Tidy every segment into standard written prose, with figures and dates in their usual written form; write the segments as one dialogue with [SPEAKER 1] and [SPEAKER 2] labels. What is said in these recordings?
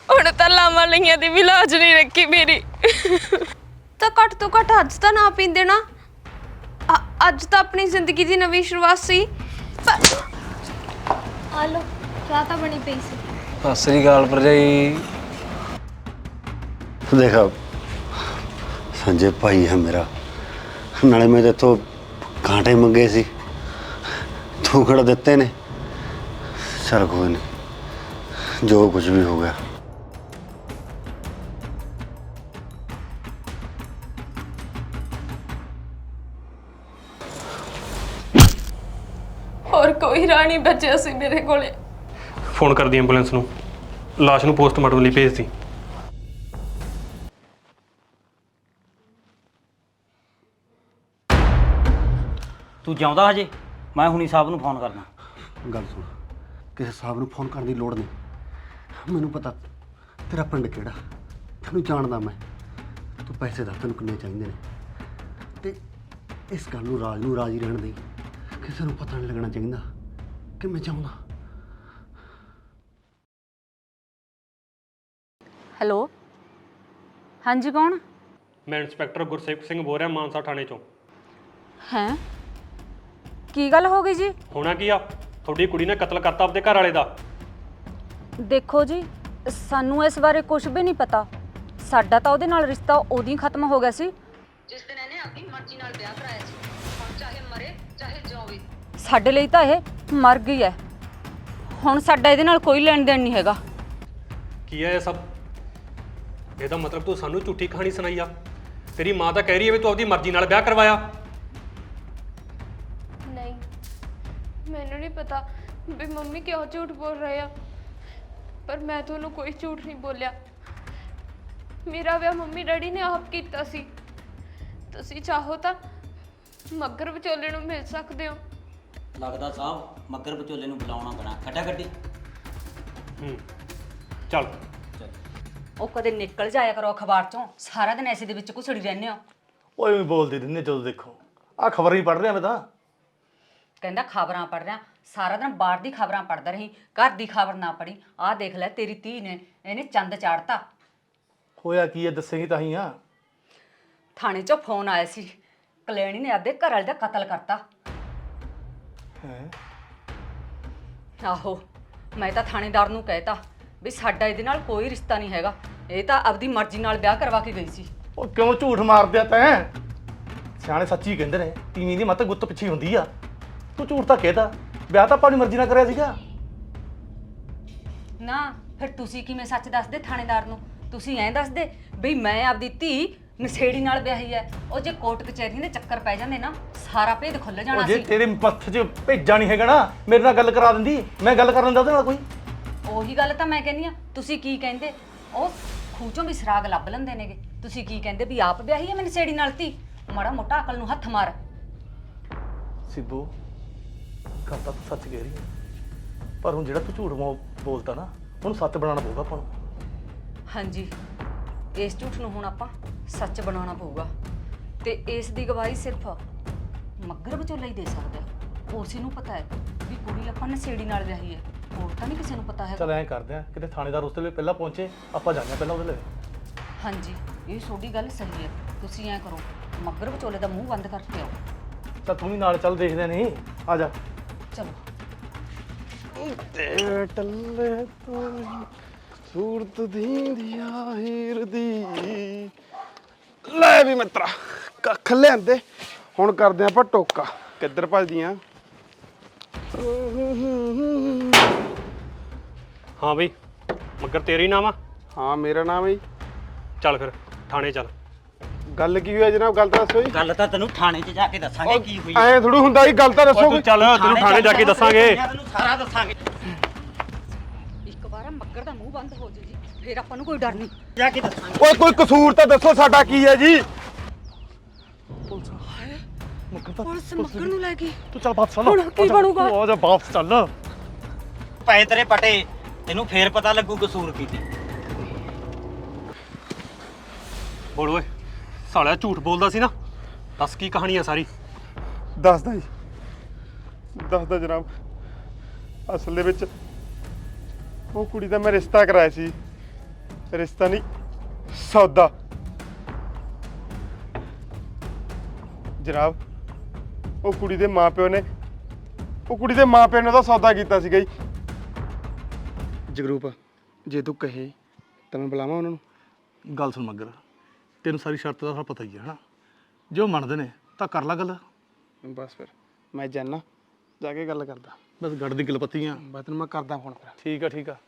[SPEAKER 1] ਹੁਣ ਤਾਂ ਲਾਵਾਂ ਲਈਆਂ ਦੀ ਵੀ ਲਾਜ ਨਹੀਂ ਰੱਖੀ ਮੇਰੀ। ਤਾਂ ਘੱਟ ਤੋਂ ਘੱਟ ਅੱਜ ਤਾਂ ਨਾ ਪੀਂਦੇ ਨਾ। ਅੱਜ ਤਾਂ ਆਪਣੀ ਜ਼ਿੰਦਗੀ ਦੀ ਨਵੀਂ ਸ਼ੁਰੂਆਤ ਸੀ। ਆ ਲੋ ਚਾਹ ਤਾਂ ਬਣੀ ਪਈ ਸੀ।
[SPEAKER 2] ਸਤਿ ਸ੍ਰੀ ਅਕਾਲ ਭਰਜਾਈ।
[SPEAKER 3] देखा संजय भाई है मेरा, नाले मैं तो कांटे मंगे सी, तू खड़ा देते ने। चल कोई नहीं, जो कुछ भी हो गया।
[SPEAKER 1] और कोई राह नहीं बचा सी मेरे कोले।
[SPEAKER 4] फोन कर दी एंबूलेंस नूं, लाश नूं पोस्टमार्टम लई भेज दी।
[SPEAKER 5] तू जाऊँदा हजे? मैं हुणी साहब नूं फोन करना।
[SPEAKER 3] गल सुन, किसी साहब नूं फोन करने की लोड़ नहीं। मैनूं पता तेरा पिंड किहड़ा, तैनूं जानदा मैं। तू पैसे दस तैनूं किन्ने चाहीदे ने, ते इस गल नूं राज नूं राजी रहण दई। किसी नूं पता नहीं लगना चाहिए कि मैं चाहुंदा।
[SPEAKER 6] हेलो, हाँ जी कौन?
[SPEAKER 4] मैं इंस्पैक्टर गुरसेवक सिंह बोल रहा मानसा थाने चों।
[SPEAKER 6] हैं की गल हो गई जी?
[SPEAKER 4] होना की आ, थोड़ी कुड़ी ने कतल करता अपने घर वाले दा।
[SPEAKER 6] देखो जी, सानू इस बारे कुछ भी नहीं पता। साडा ਤਾਂ ਉਹਦੇ ਨਾਲ ਰਿਸ਼ਤਾ ਉਦੋਂ ਹੀ ਖਤਮ ਹੋ ਗਿਆ ਸੀ ਜਿਸ ਦਿਨ ਇਹਨੇ ਆਪਣੀ ਮਰਜ਼ੀ ਨਾਲ ਵਿਆਹ ਕਰਾਇਆ ਸੀ। ਹੁਣ ਚਾਹੇ ਮਰੇ ਚਾਹੇ ਜਿਵੇ, ਸਾਡੇ ਲਈ ਤਾਂ ਇਹ ਮਰ ਗਈ ਹੈ। ਹੁਣ ਸਾਡਾ ਇਹਦੇ ਨਾਲ ਕੋਈ ਲੈਣ ਦੇਣ ਨਹੀਂ ਹੈਗਾ।
[SPEAKER 4] ਕੀ ਹੈ ਇਹ ਸਭ? ਇਹਦਾ ਮਤਲਬ ਤੂੰ ਸਾਨੂੰ ਝੂਠੀ ਕਹਾਣੀ ਸੁਣਾਈ ਆ। ਤੇਰੀ ਮਾਂ ਤਾਂ ਕਹਿ ਰਹੀ ਹੈ ਵੀ ਤੂੰ ਆਪਣੀ ਮਰਜ਼ੀ ਨਾਲ ਵਿਆਹ ਕਰਵਾਇਆ।
[SPEAKER 1] नहीं मैनू नहीं पता भी मम्मी क्यों झूठ बोल रहे हैं, पर मैं तो उन्होंने कोई झूठ नहीं बोलिया। मेरा विआह मम्मी डैडी ने आप किया सी। तुसी चाहो तो मगर विचोले नूं मिल सकते हो।
[SPEAKER 5] लगदा साहब मगर विचोले नूं बुलाउणा पैਣਾ। खट्टा खट्टी
[SPEAKER 4] ਚੱਲ
[SPEAKER 6] ਉਹ ਕਦੇ ਨਿਕਲ ਜਾਇਆ ਕਰੋ ਅਖਬਾਰ ਚੋਂ। ਸਾਰਾ ਦਿਨ ਐਸੇ ਦੇ ਵਿੱਚ ਘੁਸੜੀ ਰਹਿੰਦੇ ਹੋ।
[SPEAKER 7] ਓਏ ਵੀ ਬੋਲਦੇ ਰਹਿੰਦੇ ਜਦੋਂ ਦੇਖੋ। ਆ ਖਬਰ ਹੀ ਪੜ੍ਹ ਰਿਹਾ ਮੈਂ ਤਾਂ।
[SPEAKER 6] ਕਹਿੰਦਾ ਖਬਰਾਂ ਪੜ੍ਹ ਰਿਹਾ, ਸਾਰਾ ਦਿਨ ਬਾਹਰ ਦੀ ਖਬਰਾਂ ਪੜ੍ਹਦਾ ਰਹੀ, ਘਰ ਦੀ ਖਬਰ ਨਾ ਪੜ੍ਹੀ। ਆਹ ਦੇਖ ਲੈ ਤੇਰੀ ਧੀ ਨੇ, ਇਹਨੇ ਚੰਦ ਚਾੜਤਾ।
[SPEAKER 7] ਹੋਇਆ ਕੀ ਹੈ ਦੱਸੇਂਗੀ ਤਾਂ ਹੀ ਆ।
[SPEAKER 6] ਥਾਣੇ 'ਚੋਂ ਫੋਨ ਆਇਆ ਸੀ, ਕਲੈਣੀ ਨੇ ਆਪਦੇ ਘਰ ਵਾਲੇ ਦਾ ਕਤਲ ਕਰਤਾ।
[SPEAKER 7] ਹੈ
[SPEAKER 6] ਆਹੋ, ਮੈਂ ਤਾਂ ਥਾਣੇਦਾਰ ਨੂੰ ਕਹਿਤਾ ਵੀ ਸਾਡਾ ਇਹਦੇ ਨਾਲ ਕੋਈ ਰਿਸ਼ਤਾ ਨਹੀਂ ਹੈਗਾ। ਇਹ ਤਾਂ ਆਪਦੀ ਮਰਜ਼ੀ ਨਾਲ ਵਿਆਹ ਕਰਵਾ ਕੇ ਗਈ ਸੀ।
[SPEAKER 7] ਉਹ ਕਿਉਂ ਝੂਠ ਮਾਰਦਿਆ ਤੈਂ? ਸਿਆਣੇ ਸੱਚੀ ਕਹਿੰਦੇ ਨੇ, ਤੀਵੀਂ ਦੀ ਮੱਤ ਗੁੱਤ ਪਿੱਛੇ ਹੁੰਦੀ ਆ। ਤੂੰ ਝੂਠ ਤਾਂ ਕਹਿਤਾ, ਵਿਆਹ ਤਾਂ ਆਪਣੀ ਮਰਜ਼ੀ ਨਾਲ ਕਰਿਆ ਸੀਗਾ
[SPEAKER 6] ਨਾ। ਫਿਰ ਤੁਸੀਂ ਕਿਵੇਂ ਸੱਚ ਦੱਸਦੇ ਥਾਣੇਦਾਰ ਨੂੰ? ਤੁਸੀਂ ਐਂ ਦੱਸਦੇ ਵੀ ਮੈਂ ਆਪਦੀ ਧੀ ਨਸ਼ੇੜੀ ਨਾਲ ਵਿਆਹੀ ਹੈ। ਉਹ ਜੇ ਕੋਰਟ ਕਚਹਿਰੀਆਂ ਦੇ ਚੱਕਰ ਪੈ ਜਾਂਦੇ ਨਾ, ਸਾਰਾ ਭੇਦ ਖੁੱਲ ਜਾਣਾ
[SPEAKER 7] ਉਹ
[SPEAKER 6] ਸੀ।
[SPEAKER 7] ਜੇ ਤੇਰੇ ਮੱਥ 'ਚ ਭੇਜਾ ਨਹੀਂ ਹੈਗਾ ਨਾ, ਮੇਰੇ ਨਾਲ ਗੱਲ ਕਰਾ ਦਿੰਦੀ। ਮੈਂ ਗੱਲ ਕਰ ਲੈਂਦਾ ਉਹਦੇ ਨਾਲ ਕੋਈ।
[SPEAKER 6] ਉਹੀ ਗੱਲ ਤਾਂ ਮੈਂ ਕਹਿੰਦੀ ਆ। ਤੁਸੀਂ ਕੀ ਕਹਿੰਦੇ? ਉਹ ਖੂਹ ਚੋਂ ਵੀ ਸਰਾਗ ਲੱਭ ਲੈਂਦੇ ਨੇਗੇ। ਤੁਸੀਂ ਕੀ ਕਹਿੰਦੇ ਵੀ ਆਪ ਵਿਆਹੀ ਹੈ ਮੈਂ ਨਸ਼ੇੜੀ ਨਾਲ ਧੀ? ਮਾੜਾ ਮੋਟਾ ਅਕਲ ਨੂੰ ਹੱਥ ਮਾਰ।
[SPEAKER 7] ਸਿੱਧੂ, ਗੱਲ ਤਾਂ ਤੂੰ ਸੱਚ ਕਹਿ ਰਹੀ ਹੈ, ਪਰ ਹੁਣ ਜਿਹੜਾ ਤੂੰ ਝੂਠ ਬੋਲਦਾ ਨਾ, ਉਹਨੂੰ ਸੱਚ ਬਣਾਉਣਾ ਪਊਗਾ ਆਪਾਂ ਨੂੰ।
[SPEAKER 6] ਹਾਂਜੀ, ਇਸ ਝੂਠ ਨੂੰ ਹੁਣ ਆਪਾਂ ਸੱਚ ਬਣਾਉਣਾ ਪਊਗਾ। ਤੇ ਇਸ ਦੀ ਗਵਾਹੀ ਸਿਰਫ ਮੱਗਰ ਵਿਚੋਲਾ ਹੀ ਦੇ ਸਕਦਾ। ਉਸੇ ਨੂੰ ਪਤਾ ਹੈ ਵੀ ਕੁੜੀ ਆਪਾਂ ਨਸ਼ੇੜੀ ਨਾਲ ਵਿਆਹੀ ਹੈ, ਹੋਰ ਤਾਂ ਨਹੀਂ ਕਿਸੇ ਨੂੰ ਪਤਾ ਹੈ।
[SPEAKER 7] ਚੱਲ ਐਂ ਕਰਦੇ ਆ, ਕਿਤੇ ਥਾਣੇਦਾਰ ਉਸ ਵੇਲੇ ਪਹਿਲਾਂ ਪਹੁੰਚੇ, ਆਪਾਂ ਜਾਂਦੇ ਹਾਂ ਪਹਿਲਾਂ ਉਹਦੇ ਲਈ।
[SPEAKER 6] ਹਾਂਜੀ, ਇਹ ਤੁਹਾਡੀ ਗੱਲ ਸਹੀ ਹੈ। ਤੁਸੀਂ ਐਂ ਕਰੋ, ਮੱਗਰ ਵਿਚੋਲੇ ਦਾ ਮੂੰਹ ਬੰਦ ਕਰਕੇ ਆਓ।
[SPEAKER 7] ਚੱਲ ਤੂੰ ਵੀ ਨਾਲ ਚੱਲ, ਦੇਖਦੇ ਨਹੀਂ। ਆ ਜਾ।
[SPEAKER 6] ਚਲੋ।
[SPEAKER 2] ਤੇ ਟੱਲੇ ਤੋਂ ਸੂਰਤ ਦੀਂਦੀ ਆ ਹੀਰ ਦੀ। ਲੈ ਵੀ ਮਿੱਤਰਾ, ਕੱਖ ਲਿਆਂਦੇ। ਹੁਣ ਕਰਦੇ ਆਪਾਂ ਟੋਕਾ। ਕਿੱਧਰ ਭੱਜਦੀਆਂ?
[SPEAKER 4] ਹਾਂ ਬਈ, ਮਗਰ ਤੇਰੀ ਨਾਮ ਆ?
[SPEAKER 2] ਹਾਂ ਮੇਰਾ ਨਾਮ ਹੈ ਜੀ।
[SPEAKER 4] ਚੱਲ ਫਿਰ ਥਾਣੇ ਚੱਲ।
[SPEAKER 2] ਗੱਲ ਕੀ ਹੋਈ ਜਨਾਬ? ਗੱਲ ਤਾਂ ਦੱਸੋ ਜੀ।
[SPEAKER 5] ਗੱਲ ਤਾਂ ਤੈਨੂੰ ਥਾਣੇ 'ਚ ਜਾ ਕੇ ਦੱਸਾਂਗੇ ਕੀ ਹੋਈ।
[SPEAKER 2] ਐਂ ਥੋੜੂ ਹੁੰਦਾ ਜੀ, ਗੱਲ ਤਾਂ ਦੱਸੋ
[SPEAKER 4] ਤੂੰ
[SPEAKER 2] ਕੋਈ।
[SPEAKER 4] ਚੱਲ, ਤੈਨੂੰ ਥਾਣੇ ਜਾ ਕੇ ਦੱਸਾਂਗੇ।
[SPEAKER 5] ਤੈਨੂੰ ਸਾਰਾ ਦੱਸਾਂਗੇ।
[SPEAKER 6] ਇੱਕ ਵਾਰ ਮੱਗਰ ਦਾ ਮੂੰਹ ਬੰਦ ਹੋ ਜੇ ਜੀ, ਫਿਰ ਆਪਾਂ ਨੂੰ ਕੋਈ ਡਰ ਨਹੀਂ।
[SPEAKER 5] ਜਾ ਕੇ ਦੱਸਾਂਗੇ।
[SPEAKER 2] ਓਏ ਕੋਈ ਕਸੂਰ ਤਾਂ ਦੱਸੋ, ਸਾਡਾ ਕੀ ਹੈ ਜੀ?
[SPEAKER 6] ਪੁਲਿਸ ਮੱਗਰ ਨੂੰ ਲੈ ਗਈ।
[SPEAKER 7] ਤੂੰ ਚੱਲ ਵਾਪਸ ਚੱਲ।
[SPEAKER 6] ਹੁਣ ਕੀ ਬਣੂਗਾ?
[SPEAKER 7] ਆ ਜਾ ਵਾਪਸ ਚੱਲ।
[SPEAKER 5] ਪਏ ਤੇਰੇ ਪਟੇ, ਤੈਨੂੰ ਫੇਰ ਪਤਾ ਲੱਗੂ ਕਸੂਰ ਕੀ ਸੀ।
[SPEAKER 4] ਬੋਲ ਓਏ, ਸਾਲਿਆ ਝੂਠ ਬੋਲਦਾ ਸੀ ਨਾ। ਦੱਸ ਕੀ ਕਹਾਣੀ ਆ ਸਾਰੀ?
[SPEAKER 2] ਦੱਸਦਾ ਜੀ, ਦੱਸਦਾ ਜਨਾਬ। ਅਸਲ ਦੇ ਵਿੱਚ ਉਹ ਕੁੜੀ ਦਾ ਮੈਂ ਰਿਸ਼ਤਾ ਕਰਾਇਆ ਸੀ ਰਿਸ਼ਤਾ ਨਹੀਂ ਸੌਦਾ। ਜਨਾਬ ਉਹ ਕੁੜੀ ਦੇ ਮਾਪਿਓ ਨੇ ਉਹਦਾ ਸੌਦਾ ਕੀਤਾ ਸੀਗਾ ਜੀ। ਜਗਰੂਪ ਜੇ ਤੂੰ ਕਹੇ ਤਾਂ ਮੈਂ ਬੁਲਾਵਾਂ ਉਹਨਾਂ ਨੂੰ।
[SPEAKER 7] ਗੱਲ ਸੁਣ ਮੱਗਰ, ਤੈਨੂੰ ਸਾਰੀ ਸ਼ਰਤ ਦਾ ਪਤਾ ਹੀ ਹੈ ਹਨਾ। ਜੇ ਉਹ ਮੰਨਦੇ ਨੇ ਤਾਂ ਕਰ ਲਾ ਗੱਲ।
[SPEAKER 2] ਬਸ ਫਿਰ ਮੈਂ ਜਾਣਾ, ਜਾ ਕੇ ਗੱਲ ਕਰਦਾ।
[SPEAKER 7] ਬਸ ਗੱਡ ਦੀ ਗਲਪੱਤੀਆਂ।
[SPEAKER 2] ਬਸ ਤੈਨੂੰ ਮੈਂ ਕਰਦਾ ਫੋਨ ਫਿਰ।
[SPEAKER 7] ਠੀਕ ਆ ਠੀਕ ਆ।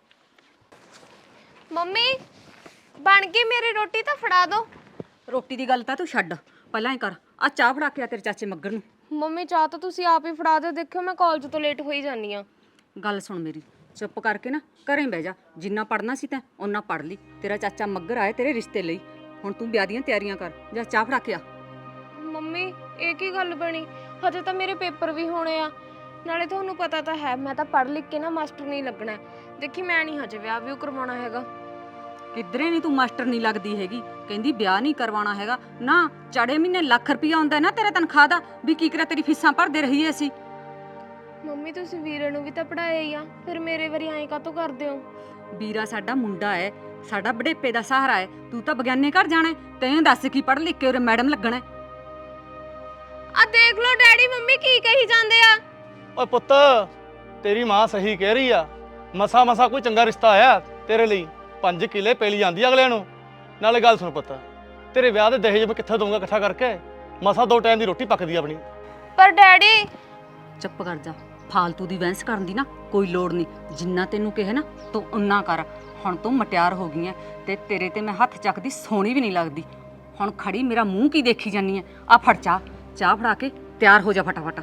[SPEAKER 1] ਮੰਮੀ ਬਣ ਗਈ ਮੇਰੀ ਰੋਟੀ ਤਾਂ ਫੜਾ ਦਿਓ।
[SPEAKER 6] ਰੋਟੀ ਦੀ ਗੱਲ ਤਾਂ ਤੂੰ ਛੱਡ, ਪਹਿਲਾਂ ਹੀ ਕਰ ਆ ਚਾਹ ਫੜਾ ਕੇ ਆ ਤੇਰੇ ਚਾਚੇ ਮੱਗਰ ਨੂੰ।
[SPEAKER 1] ਮੰਮੀ ਚਾਹ ਤਾਂ ਤੁਸੀਂ ਆਪ ਹੀ ਫੜਾ ਦਿਓ, ਦੇਖਿਓ ਮੈਂ ਕਾਲਜ ਤੋਂ ਲੇਟ ਹੋਈ ਜਾਂਦੀ ਆ।
[SPEAKER 6] ਗੱਲ ਸੁਣ ਮੇਰੀ, ਚੁੱਪ ਕਰਕੇ ਨਾ ਘਰੇ ਬਹਿ ਜਾ। ਜਿੰਨਾ ਪੜਨਾ ਸੀ ਤੈਂ ਓਨਾ ਪੜ ਲਈ। ਤੇਰਾ ਚਾਚਾ ਮੱਗਰ ਆਏ ਤੇਰੇ ਰਿਸ਼ਤੇ ਲਈ, ਹੁਣ ਤੂੰ ਵਿਆਹ ਦੀਆਂ ਤਿਆਰੀਆਂ ਕਰ। ਜਾ ਚਾਹ ਫੜਾ ਕੇ ਆ।
[SPEAKER 1] ਮੰਮੀ ਇਹ ਕੀ ਗੱਲ ਬਣੀ? ਹਜੇ ਤਾਂ ਮੇਰੇ ਪੇਪਰ ਵੀ ਹੋਣੇ ਆ। ਨਾਲੇ ਤੁਹਾਨੂੰ ਪਤਾ ਤਾਂ ਹੈ ਮੈਂ ਤਾਂ ਪੜ੍ਹ ਲਿਖ ਕੇ ਨਾ ਮਾਸਟਰ ਨਹੀਂ ਲੱਗਣਾ ਹੈ। ਦੇਖੀ ਮੈਂ ਨਹੀਂ ਹਜੇ ਵਿਆਹ ਵੀ ਕਰਵਾਉਣਾ ਹੈਗਾ।
[SPEAKER 6] ਕਿਧਰੇ ਨਹੀਂ ਤੂੰ ਮਾਸਟਰ ਨਹੀਂ ਲੱਗਦੀ ਹੈਗੀ। ਕਹਿੰਦੀ ਵਿਆਹ ਨਹੀਂ ਕਰਵਾਉਣਾ ਹੈਗਾ ਨਾ। ਚੜੇ ਮਹੀਨੇ ਲੱਖ ਰੁਪਇਆ ਆਉਂਦਾ ਨਾ ਤੇਰੇ ਤਨਖਾਹ ਦਾ, ਵੀ ਕੀ ਕਰਿਆ ਤੇਰੀ ਫੀਸਾਂ ਭਰਦੇ ਰਹੀਏ ਅਸੀਂ।
[SPEAKER 1] ਮੰਮੀ ਤੁਸੀਂ ਵੀਰੇ ਨੂੰ ਵੀ ਤਾਂ ਪੜਾਇਆ ਹੀ ਆ, ਫਿਰ ਮੇਰੇ ਵਾਰੀ ਐਂ ਕਾਹਤੋਂ ਕਰਦੇ ਹੋ?
[SPEAKER 6] ਵੀਰਾ ਸਾਡਾ ਮੁੰਡਾ ਹੈ, ਸਾਡਾ ਬੜੇਪੇ ਦਾ ਸਹਾਰਾ ਹੈ। ਤੂੰ ਤਾਂ ਬਗਿਆਨੇ ਘਰ ਜਾਣਾ, ਤੈਨੂੰ ਦੱਸ ਕੀ ਪੜ੍ਹ ਲਿਖ ਕੇ ਉਰੇ ਮੈਡਮ ਲੱਗਣਾ।
[SPEAKER 1] ਆ ਦੇਖ ਲਓ ਡੈਡੀ ਮੰਮੀ ਕੀ ਕਹੀ ਜਾਂਦੇ ਆ।
[SPEAKER 7] ਓਏ ਪੁੱਤ, ਤੇਰੀ ਮਾਂ ਸਹੀ ਕਹਿ ਰਹੀ ਆ। ਮਸਾ ਕੋਈ ਚੰਗਾ ਰਿਸ਼ਤਾ ਆਇਆ ਤੇਰੇ ਲਈ। 5 ਕਿੱਲੇ ਪੈਲੀ ਜਾਂਦੀ ਅਗਲਿਆਂ ਨੂੰ। ਨਾਲੇ ਗੱਲ ਸੁਣ ਪੁੱਤ, ਤੇਰੇ ਵਿਆਹ ਦੇ ਦਹੇਜ ਮੈਂ ਕਿੱਥੇ ਦਊਂਗਾ ਇਕੱਠਾ ਕਰਕੇ? ਮਸਾ 2 ਟਾਈਮ ਦੀ ਰੋਟੀ ਪੱਕਦੀ ਆਪਣੀ।
[SPEAKER 1] ਪਰ ਡੈਡੀ
[SPEAKER 6] ਚੁੱਪ ਕਰ ਜਾ, ਫਾਲਤੂ ਦੀ ਬਹਿਸ ਕਰਨ ਦੀ ਨਾ ਕੋਈ ਲੋੜ ਨਹੀਂ। ਜਿੰਨਾ ਤੈਨੂੰ ਕਿਹਾ ਨਾ ਤੂੰ ਉਨਾ ਕਰ। ਹੁਣ ਤੂੰ ਮਟਿਆਰ ਹੋ ਗਈ ਐ ਤੇ ਤੇਰੇ ਤੇ ਮੈਂ ਹੱਥ ਚੱਕਦੀ ਸੋਹਣੀ ਵੀ ਨਹੀਂ ਲੱਗਦੀ। ਹੁਣ ਖੜੀ ਮੇਰਾ ਮੂੰਹ ਕੀ ਦੇਖੀ ਜਾਨੀ ਐ? ਆ ਫੜ ਚਾਹ ਫੜਾ ਕੇ ਤਿਆਰ ਹੋ ਜਾ ਫਟਾਫਟ।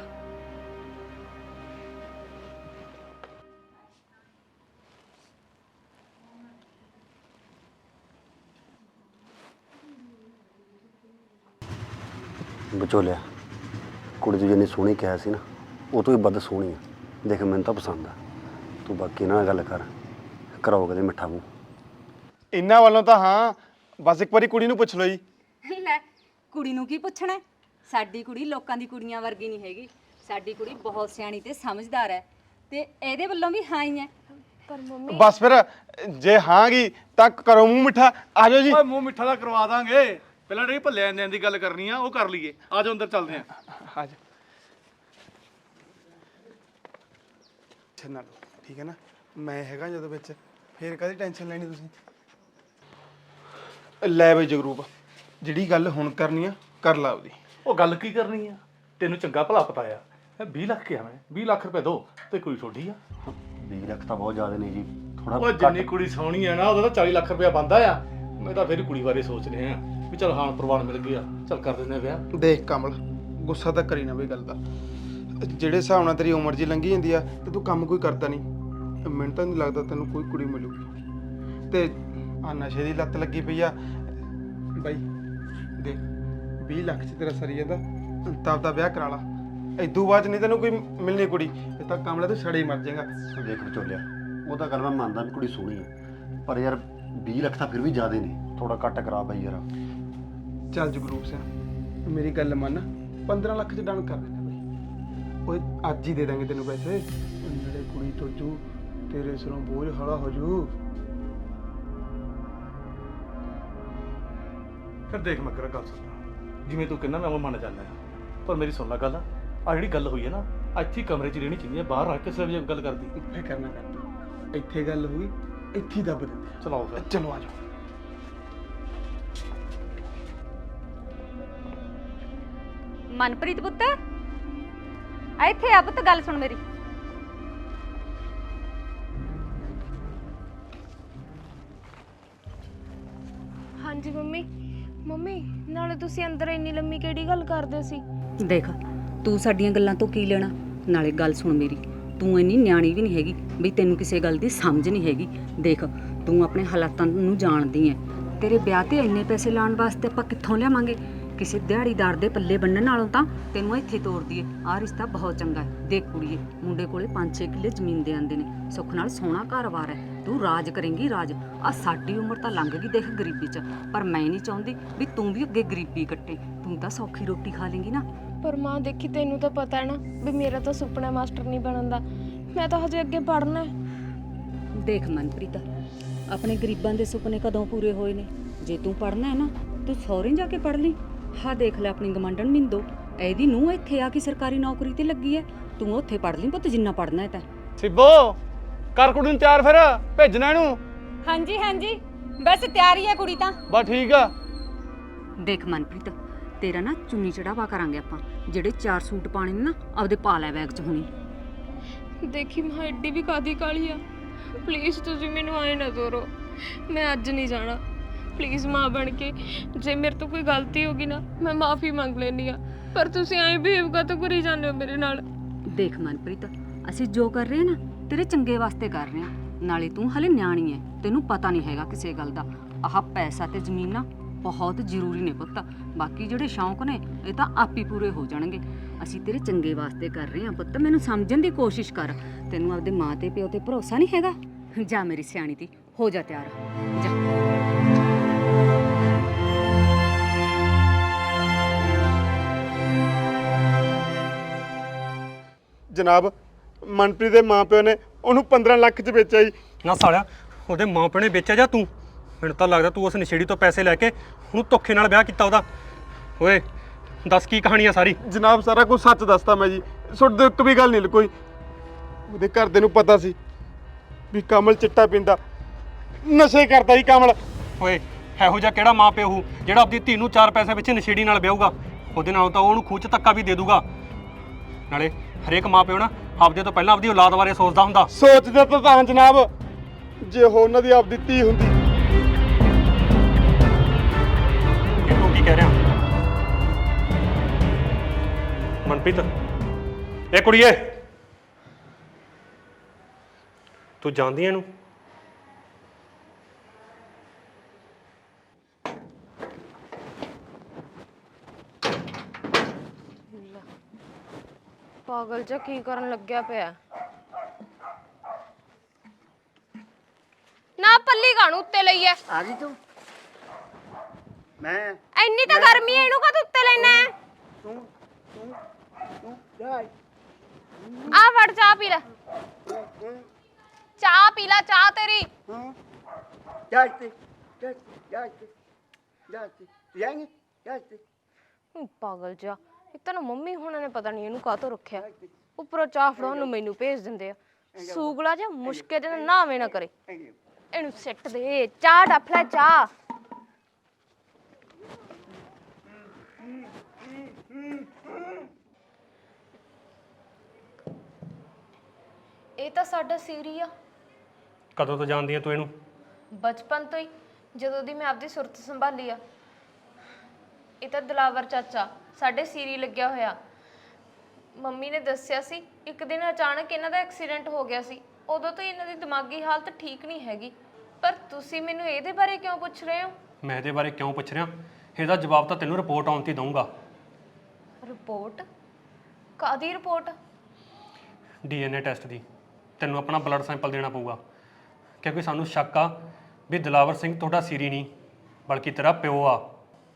[SPEAKER 3] ਵਿਚੋਲਿਆ, ਕੁੜੀ ਤੂੰ ਜਿੰਨੀ ਸੋਹਣੀ ਕਿਹਾ ਸੀ ਨਾ, ਉਹ ਤੋਂ ਵੀ ਵੱਧ ਸੋਹਣੀ ਆ। ਦੇਖ ਮੈਨੂੰ ਤਾਂ ਪਸੰਦ ਆ। ਤੂੰ ਬਾਕੀ ਨਾਲ ਗੱਲ ਕਰ, ਕਰਾਓ ਕਦੇ ਮਿੱਠਾ ਮੂੰਹ।
[SPEAKER 2] ਇਹਨਾਂ ਵੱਲੋਂ ਤਾਂ ਹਾਂ, ਬਸ ਇੱਕ ਵਾਰੀ ਕੁੜੀ ਨੂੰ ਪੁੱਛ ਲਓ ਜੀ।
[SPEAKER 6] ਲੈ ਕੁੜੀ ਨੂੰ ਕੀ ਪੁੱਛਣਾ? ਸਾਡੀ ਕੁੜੀ ਲੋਕਾਂ ਦੀ ਕੁੜੀਆਂ ਵਰਗੀ ਨਹੀਂ ਹੈਗੀ। ਸਾਡੀ ਕੁੜੀ ਬਹੁਤ ਸਿਆਣੀ ਤੇ ਸਮਝਦਾਰ ਹੈ, ਤੇ ਇਹਦੇ ਵੱਲੋਂ ਵੀ ਹਾਂ ਹੀ ਹੈ।
[SPEAKER 1] ਪਰ ਮੰਮੀ
[SPEAKER 2] ਬਸ ਫਿਰ ਜੇ ਹਾਂਗੀ ਤਾਂ ਕਰੋ ਮੂੰਹ ਮਿੱਠਾ। ਆ ਜਾਓ ਜੀ।
[SPEAKER 7] ਓਏ ਮੂੰਹ ਮਿੱਠਾ ਦਾ ਕਰਵਾ ਦਾਂਗੇ। ਪਹਿਲਾਂ ਜਿਹੜੀ ਭੱਲੇ ਆਂਦਿਆਂ ਦੀ ਗੱਲ ਕਰਨੀ ਆ ਉਹ ਕਰ ਲਈਏ। ਆ ਜਾਓ ਅੰਦਰ ਚੱਲਦੇ ਆਂ।
[SPEAKER 2] ਆ ਜਾ ਛੱਨਾ ਲਓ, ਠੀਕ ਹੈ ਨਾ? ਮੈਂ ਹੈਗਾ ਜਦੋਂ ਵਿੱਚ, ਫੇਰ ਕਾਹਦੀ ਟੈਨਸ਼ਨ ਲੈਣੀ ਤੁਸੀਂ? ਲੈ ਬਈ ਜਗਰੂਪ, ਜਿਹੜੀ ਗੱਲ ਹੁਣ ਕਰਨੀ ਆ ਕਰ ਲਾ ਉਹਦੀ।
[SPEAKER 7] ਉਹ ਗੱਲ ਕੀ ਕਰਨੀ ਆ? ਤੈਨੂੰ ਚੰਗਾ ਭਲਾ ਪਤਾ ਆ। 20 ਲੱਖ ਕਿਹਾ ਮੈਂ, 20 ਲੱਖ ਰੁਪਏ ਦੋ ਤੇ ਕੁੜੀ ਛੋਡੀ ਆ।
[SPEAKER 3] 20 ਲੱਖ ਤਾਂ ਬਹੁਤ ਜ਼ਿਆਦਾ ਨੇ ਜੀ, ਥੋੜਾ
[SPEAKER 7] ਉਹ ਜਿੰਨੀ ਕੁੜੀ ਸੋਹਣੀ ਆ ਨਾ, ਉਹਦਾ ਤਾਂ 40 ਲੱਖ ਰੁਪਇਆ ਬਣਦਾ ਆ। ਮੈਂ ਤਾਂ ਫਿਰ ਕੁੜੀ ਬਾਰੇ ਸੋਚ ਰਿਹਾ ਵੀ ਚਲ ਹਾਂ ਪ੍ਰਵਾਨ ਮਿਲ ਗਿਆ, ਚਲ ਕਰ ਦਿੰਦੇ ਆ ਵਿਆਹ।
[SPEAKER 2] ਦੇਖ ਕਮਲ, ਗੁੱਸਾ ਤਾਂ ਕਰੀ ਨਾ ਬਈ ਗੱਲ ਦਾ। ਜਿਹੜੇ ਹਿਸਾਬ ਨਾਲ ਤੇਰੀ ਉਮਰ ਜੀ ਲੰਘੀ ਜਾਂਦੀ ਆ ਤੇ ਤੂੰ ਕੰਮ ਕੋਈ ਕਰਦਾ ਨਹੀਂ, ਮੈਨੂੰ ਤਾਂ ਨਹੀਂ ਲੱਗਦਾ ਤੈਨੂੰ ਕੋਈ ਕੁੜੀ ਮਿਲੂਗੀ। ਤੇ ਆ ਨਸ਼ੇ ਦੀ ਲੱਤ ਲੱਗੀ ਪਈ ਆ ਬਾਈ। ਦੇਖ 20 ਲੱਖ 'ਚ ਤੇਰਾ ਸਰੀ ਜਾਂਦਾ, ਤਾਂ ਆਪਦਾ ਵਿਆਹ ਕਰਾ ਲਾ। ਇਦੋਂ ਬਾਅਦ ਨਹੀਂ ਤੈਨੂੰ ਕੋਈ ਮਿਲਣੀ ਕੁੜੀ। ਇਹ ਤਾਂ ਕਮਲਾ ਤੂੰ ਛੜੇ ਹੀ ਮਰ ਜਾਏਗਾ।
[SPEAKER 3] ਦੇਖ ਵਿਚੋਲਿਆ, ਉਹ ਤਾਂ ਗੱਲ ਮੈਂ ਮੰਨਦਾ ਵੀ ਕੁੜੀ ਸੋਹਣੀ ਹੈ, ਪਰ ਯਾਰ 20 ਲੱਖ ਤਾਂ ਫਿਰ ਵੀ ਜ਼ਿਆਦਾ ਨੇ। ਥੋੜਾ ਘੱਟ ਕਰਾ ਬਈ ਯਾਰ।
[SPEAKER 2] ਚੱਲ ਜਗਰੂਪ ਸਿੰਘ, ਮੇਰੀ ਗੱਲ ਮੰਨ, 15 ਲੱਖ 'ਚ ਡਨ ਕਰ ਦਿੰਦੇ ਬਾਈ। ਓਏ ਅੱਜ ਹੀ ਦੇ ਦਾਂਗੇ ਤੈਨੂੰ ਪੈਸੇ। ਨਾਲੇ ਕੁੜੀ ਤੋਜੂ, ਤੇਰੇ ਸਿਰੋਂ ਬੋਝ ਹੌਲਾ ਹੋ ਜੂ।
[SPEAKER 7] ਫਿਰ ਦੇਖ ਮੱਗਰ, ਗੱਲ ਸੁਣ। ਜਿਵੇਂ ਤੂੰ ਕਹਿੰਦਾ ਮੈਂ ਉਹ ਮੰਨ ਜਾਂਦਾ ਆ, ਪਰ ਮੇਰੀ ਸੁਣ ਲੈ ਗੱਲ। ਆ ਜਿਹੜੀ ਗੱਲ ਹੋਈ ਹੈ ਨਾ, ਇੱਥੇ ਹੀ ਕਮਰੇ 'ਚ ਰਹਿਣੀ ਚਾਹੀਦੀ ਹੈ, ਬਾਹਰ ਰੱਖ ਕੇ ਸਿਰਫ ਜੇ ਗੱਲ ਕਰਦੀ।
[SPEAKER 2] ਫਿਕਰ ਨਾ ਕਰ, ਇੱਥੇ ਗੱਲ ਹੋਈ, ਇੱਥੇ ਹੀ ਦੱਬ ਦਿੰਦੇ ਆ।
[SPEAKER 7] ਚਲਾਓ ਫਿਰ।
[SPEAKER 2] ਚਲੋ ਆ ਜਾਓ।
[SPEAKER 6] ਮਨਪ੍ਰੀਤ ਪੁੱਤ ਆ ਇੱਥੇ ਆ ਪੁੱਤ, ਗੱਲ ਸੁਣ ਮੇਰੀ।
[SPEAKER 1] ਹਾਂਜੀ ਮੰਮੀ। ਮੰਮੀ ਨਾਲੇ ਤੁਸੀਂ ਅੰਦਰ ਇੰਨੀ ਲੰਮੀ ਕਿਹੜੀ ਗੱਲ ਕਰਦੇ ਸੀ?
[SPEAKER 6] ਦੇਖ ਤੂੰ ਸਾਡੀਆਂ ਗੱਲਾਂ ਤੋਂ ਕੀ ਲੈਣਾ? ਨਾਲੇ ਗੱਲ ਸੁਣ ਮੇਰੀ, ਤੂੰ ਇੰਨੀ ਨਿਆਣੀ ਵੀ ਨਹੀਂ ਹੈਗੀ ਵੀ ਤੈਨੂੰ ਕਿਸੇ ਗੱਲ ਦੀ ਸਮਝ ਨਹੀਂ ਹੈਗੀ। ਦੇਖ ਤੂੰ ਆਪਣੇ ਹਾਲਾਤਾਂ ਨੂੰ ਜਾਣਦੀ ਐ। ਤੇਰੇ ਵਿਆਹ ਤੇ ਇੰਨੇ ਪੈਸੇ ਲਾਉਣ ਵਾਸਤੇ ਆਪਾਂ ਕਿੱਥੋਂ ਲਿਆਵਾਂਗੇ? ਕਿਸੇ ਦਿਹਾੜੀਦਾਰ ਦੇ ਪੱਲੇ ਬੰਨਣ ਨਾਲੋਂ ਤਾਂ ਤੈਨੂੰ ਇੱਥੇ ਤੋਰ ਦਈਏ। ਆਹ ਰਿਸ਼ਤਾ ਬਹੁਤ ਚੰਗਾ ਹੈ। ਦੇਖ ਕੁੜੀਏ, ਮੁੰਡੇ ਕੋਲੇ 5-6 ਕਿੱਲੇ ਜ਼ਮੀਨ ਦੇ ਆਂਦੇ ਨੇ, ਸੁੱਖ ਨਾਲ ਸੋਹਣਾ ਘਰ-ਬਾਰ ਹੈ। ਤੂੰ ਰਾਜ ਕਰੇਂਗੀ ਰਾਜ। ਆ ਸਾਡੀ ਉਮਰ ਤਾਂ ਲੰਘ ਗਈ ਦੇਖ ਗਰੀਬੀ 'ਚ, ਪਰ ਮੈਂ ਨਹੀਂ ਚਾਹੁੰਦੀ ਵੀ ਤੂੰ ਵੀ ਅੱਗੇ ਗਰੀਬੀ ਕੱਟੇ। ਤੂੰ ਤਾਂ ਸੌਖੀ ਰੋਟੀ ਖਾ ਲੇਂਗੀ ਨਾ।
[SPEAKER 1] ਪਰ ਮਾਂ ਦੇਖੀ, ਤੈਨੂੰ ਤਾਂ ਪਤਾ ਹੈ ਨਾ ਵੀ ਮੇਰਾ ਤਾਂ ਸੁਪਨਾ ਮਾਸਟਰ ਨਹੀਂ ਬਣਨ ਦਾ। ਮੈਂ ਤਾਂ ਹਜੇ ਅੱਗੇ ਪੜ੍ਹਨਾ ਹੈ।
[SPEAKER 6] ਦੇਖ ਮਨਪ੍ਰੀਤ, ਆਪਣੇ ਗਰੀਬਾਂ ਦੇ ਸੁਪਨੇ ਕਦੋਂ ਪੂਰੇ ਹੋਏ ਨੇ? ਜੇ ਤੂੰ ਪੜ੍ਹਨਾ ਹੈ ਨਾ, ਤੂੰ ਸਹੁਰੇ ਜਾ ਕੇ ਪੜ੍ਹ ਲਈ। ਹਾਂ ਦੇਖ ਲੈ ਆਪਣੀ ਗਮੰਡਣ ਮਿੰਦੋ, ਇਹਦੀ ਨੂੰਹ ਇੱਥੇ ਆ ਕੇ ਸਰਕਾਰੀ ਨੌਕਰੀ ਤੇ ਲੱਗੀ ਹੈ, ਤੂੰ ਉੱਥੇ ਪੜ੍ਹ ਲਈ ਪੁੱਤ ਜਿੰਨਾ ਪੜ੍ਹਨਾ ਹੈ ਤਾਂ।
[SPEAKER 7] ਸਿੱਬੋ ਕਰ ਕੁੜੀ ਨੂੰ ਤਿਆਰ, ਫਿਰ ਭੇਜਣਾ ਇਹਨੂੰ।
[SPEAKER 6] ਹਾਂਜੀ ਹਾਂਜੀ, ਬਸ ਤਿਆਰੀ ਹੈ ਕੁੜੀ ਤਾਂ।
[SPEAKER 7] ਬਸ ਠੀਕ ਆ।
[SPEAKER 6] ਦੇਖ ਮਨਪ੍ਰੀਤ, ਤੇਰਾ ਨਾ ਚੁੰਨੀ ਚੜਾਵਾ ਕਰਾਂਗੇ ਆਪਾਂ। ਜਿਹੜੇ 4 ਸੂਟ ਪਾਣੇ ਨੇ ਨਾ, ਆਪਦੇ ਪਾ ਲੈ ਬੈਗ 'ਚ ਹੁਣੀ।
[SPEAKER 1] ਦੇਖੀ ਮਾਂ ਐਡੀ ਵੀ ਕਾਦੀ ਕਾਲੀ ਆ। ਪਲੀਜ਼ ਤੁਸੀਂ ਮੈਨੂੰ ਆਏ ਨਾ ਤੋਰੋ, ਮੈਂ ਅੱਜ ਨਹੀਂ ਜਾਣਾ। ਪਲੀਜ਼ ਮਾਂ ਬਣ ਕੇ, ਜੇ ਮੇਰੇ ਤੋਂ ਕੋਈ ਗਲਤੀ ਹੋ ਗਈ ਨਾ, ਮੈਂ ਮਾਫੀ ਮੰਗ ਲੈਣੀ ਆ, ਪਰ ਤੁਸੀਂ ਐਂ ਬਿਹੇਵ ਕਾਤੋਂ ਕਰੀ ਜਾਂਦੇ ਹੋ ਮੇਰੇ ਨਾਲ?
[SPEAKER 6] ਦੇਖ ਮਨਪ੍ਰੀਤ, ਅਸੀਂ ਜੋ ਕਰ ਰਹੇ ਹਾਂ ਨਾ, ਤੇਰੇ ਚੰਗੇ ਵਾਸਤੇ ਕਰ ਰਹੇ ਹਾਂ। ਨਾਲੇ ਤੂੰ ਹਲੇ ਨਿਆਣੀ ਹੈ, ਤੈਨੂੰ ਪਤਾ ਨਹੀਂ ਹੈਗਾ ਕਿਸੇ ਗੱਲ ਦਾ। ਆਹ ਪੈਸਾ ਤੇ ਜ਼ਮੀਨ ਨਾ ਬਹੁਤ ਜ਼ਰੂਰੀ ਨੇ ਪੁੱਤ, ਬਾਕੀ ਜਿਹੜੇ ਸ਼ੌਂਕ ਨੇ ਇਹ ਤਾਂ ਆਪ ਹੀ ਪੂਰੇ ਹੋ ਜਾਣਗੇ। ਅਸੀਂ ਤੇਰੇ ਚੰਗੇ ਵਾਸਤੇ ਕਰ ਰਹੇ ਹਾਂ ਪੁੱਤ, ਮੈਨੂੰ ਸਮਝਣ ਦੀ ਕੋਸ਼ਿਸ਼ ਕਰ। ਤੈਨੂੰ ਆਪਦੇ ਮਾਂ ਤੇ ਪਿਓ ਤੇ ਭਰੋਸਾ ਨਹੀਂ ਹੈਗਾ? ਜਾ ਮੇਰੀ ਸਿਆਣੀ ਤੀ, ਹੋ ਜਾ ਤਿਆਰ, ਜਾ।
[SPEAKER 2] ਜਨਾਬ, ਮਨਪ੍ਰੀਤ ਦੇ ਮਾਪਿਓ ਨੇ ਉਹਨੂੰ 15 ਲੱਖ 'ਚ ਵੇਚਿਆ ਜੀ।
[SPEAKER 4] ਨਾ ਸਾਲਿਆ, ਉਹਦੇ ਮਾਂ ਪਿਓ ਨੇ ਵੇਚਿਆ ਜਾਂ ਤੂੰ? ਮੈਨੂੰ ਤਾਂ ਲੱਗਦਾ ਤੂੰ ਉਸ ਨਸ਼ੇੜੀ ਤੋਂ ਪੈਸੇ ਲੈ ਕੇ ਉਹਨੂੰ ਧੋਖੇ ਨਾਲ ਵਿਆਹ ਕੀਤਾ ਉਹਦਾ। ਓਏ ਦੱਸ ਕੀ ਕਹਾਣੀ ਆ ਸਾਰੀ?
[SPEAKER 2] ਜਨਾਬ, ਸਾਰਾ ਕੁਝ ਸੱਚ ਦੱਸਤਾ ਮੈਂ ਜੀ, ਤੁਹਾਡੇ ਇੱਕ ਵੀ ਗੱਲ ਨਹੀਂ ਲੁਕੋਈ। ਉਹਦੇ ਘਰਦੇ ਨੂੰ ਪਤਾ ਸੀ ਵੀ ਕਮਲ ਚਿੱਟਾ ਪੀਂਦਾ, ਨਸ਼ੇ ਕਰਦਾ ਜੀ ਕਮਲ।
[SPEAKER 4] ਓਏ ਇਹੋ ਜਿਹਾ ਕਿਹੜਾ ਮਾਂ ਪਿਓ ਹੋਊ ਜਿਹੜਾ ਆਪਣੀ ਧੀ ਨੂੰ 4 ਪੈਸੇ ਵਿੱਚ ਨਸ਼ੇੜੀ ਨਾਲ ਵਿਆਹੂਗਾ? ਉਹਦੇ ਨਾਲੋਂ ਤਾਂ ਉਹਨੂੰ ਖੂਹ 'ਚ ਧੱਕਾ ਵੀ ਦੇ ਦੂਗਾ। ਨਾਲੇ ਹਰੇਕ ਮਾਂ ਪਿਓ ਨਾ ਆਪਦੇ ਤੋਂ ਪਹਿਲਾਂ ਆਪਦੀ ਔਲਾਦ ਬਾਰੇ ਸੋਚਦਾ ਹੁੰਦਾ।
[SPEAKER 2] ਸੋਚਦਾ ਤਾਂ ਜਨਾਬ, ਜੇ ਉਹ ਉਹਨਾਂ ਦੀ ਆਪਦੀ ਧੀ ਹੁੰਦੀ।
[SPEAKER 4] ਇਹ ਤੂੰ ਕੀ ਕਹਿ ਰਿਹਾ ਮਨਪ੍ਰੀਤ? ਇਹ ਕੁੜੀਏ, ਤੂੰ ਜਾਣਦੀ ਐ ਇਹਨੂੰ?
[SPEAKER 1] ਪਾਗਲ ਜਿਹਾ ਕੀ ਕਰਨ ਲੱਗਿਆ ਪਿਆ? ਨਾ ਪੱਲੀ ਕਾਣੂ ਉੱਤੇ ਲਈ ਐ?
[SPEAKER 3] ਆ ਗਈ ਤੂੰ? ਮੈਂ
[SPEAKER 1] ਇੰਨੀ ਤਾਂ ਗਰਮੀ ਐ, ਇਹਨੂੰ ਕਾ ਉੱਤੇ ਲੈਣਾ ਹੈ?
[SPEAKER 3] ਤੂੰ ਜਾ।
[SPEAKER 1] ਆ ਫੜ ਚਾਹ ਪੀ ਲੈ, ਚਾਹ ਪੀ ਲੈ, ਚਾਹ ਤੇਰੀ।
[SPEAKER 3] ਜਾ ਤੇ ਜਾਏਂਗੇ ਜਾ ਤੇ।
[SPEAKER 1] ਪਾਗਲ ਜਿਹਾ, ਇੱਕ ਤਾਂ ਨਾ ਮੰਮੀ ਹੁਣਾਂ ਨੇ ਪਤਾ ਨਹੀਂ ਇਹਨੂੰ ਕਾਹਤੋਂ ਰੱਖਿਆ, ਉੱਪਰੋਂ ਚਾਹ ਫੜਾਉਣ ਨੂੰ ਮੈਨੂੰ ਭੇਜ ਦਿੰਦੇ ਆ। ਸੂਗਲਾ ਜਿਹਾ ਮੁਸ਼ਕੇ ਜਿਹੇ ਨਾਲ ਨਾਵੇਂ ਨਾ ਕਰੇ, ਇਹਨੂੰ ਸਿੱਟ ਦੇ। ਚਾਹ ਡੱਫ ਲੈ ਚਾਹ। ਇਹ ਤਾਂ ਸਾਡਾ ਸੀਰੀ ਆ।
[SPEAKER 4] ਕਦੋਂ ਤੋਂ ਜਾਣਦੀ ਐ ਤੂੰ ਇਹਨੂੰ?
[SPEAKER 1] ਬਚਪਨ ਤੋਂ ਹੀ, ਜਦੋਂ ਦੀ ਮੈਂ ਆਪਦੀ ਸੁਰਤ ਸੰਭਾਲੀ ਆ। ਇਹ ਤਾਂ ਦਿਲਾਵਰ ਚਾਚਾ ਸਾਡੇ ਸੀਰੀ ਲੱਗਿਆ ਹੋਇਆ। ਮੰਮੀ ਨੇ ਦੱਸਿਆ ਸੀ ਇੱਕ ਦਿਨ ਅਚਾਨਕ ਇਹਨਾਂ ਦਾ ਐਕਸੀਡੈਂਟ ਹੋ ਗਿਆ ਸੀ, ਉਦੋਂ ਤੋਂ ਇਹਨਾਂ ਦੀ ਦਿਮਾਗੀ ਹਾਲਤ ਠੀਕ ਨਹੀਂ ਹੈਗੀ। ਪਰ ਤੁਸੀਂ ਮੈਨੂੰ ਇਹਦੇ ਬਾਰੇ ਕਿਉਂ ਪੁੱਛ ਰਹੇ ਹੋ?
[SPEAKER 4] ਮੈਂ ਇਹਦੇ ਬਾਰੇ ਕਿਉਂ ਪੁੱਛ ਰਿਹਾ, ਇਹਦਾ ਜਵਾਬ ਤਾਂ ਤੈਨੂੰ ਰਿਪੋਰਟ ਆਉਣ 'ਤੇ ਦਊਂਗਾ।
[SPEAKER 1] ਰਿਪੋਰਟ? ਕਾਹਦੀ ਰਿਪੋਰਟ?
[SPEAKER 4] DNA ਟੈਸਟ ਦੀ। ਤੈਨੂੰ ਆਪਣਾ ਬਲੱਡ ਸੈਂਪਲ ਦੇਣਾ ਪਊਗਾ, ਕਿਉਂਕਿ ਸਾਨੂੰ ਸ਼ੱਕ ਆ ਵੀ ਦਿਲਾਵਰ ਸਿੰਘ ਤੁਹਾਡਾ ਸੀਰੀ ਨਹੀਂ ਬਲਕਿ ਤੇਰਾ ਪਿਓ ਆ।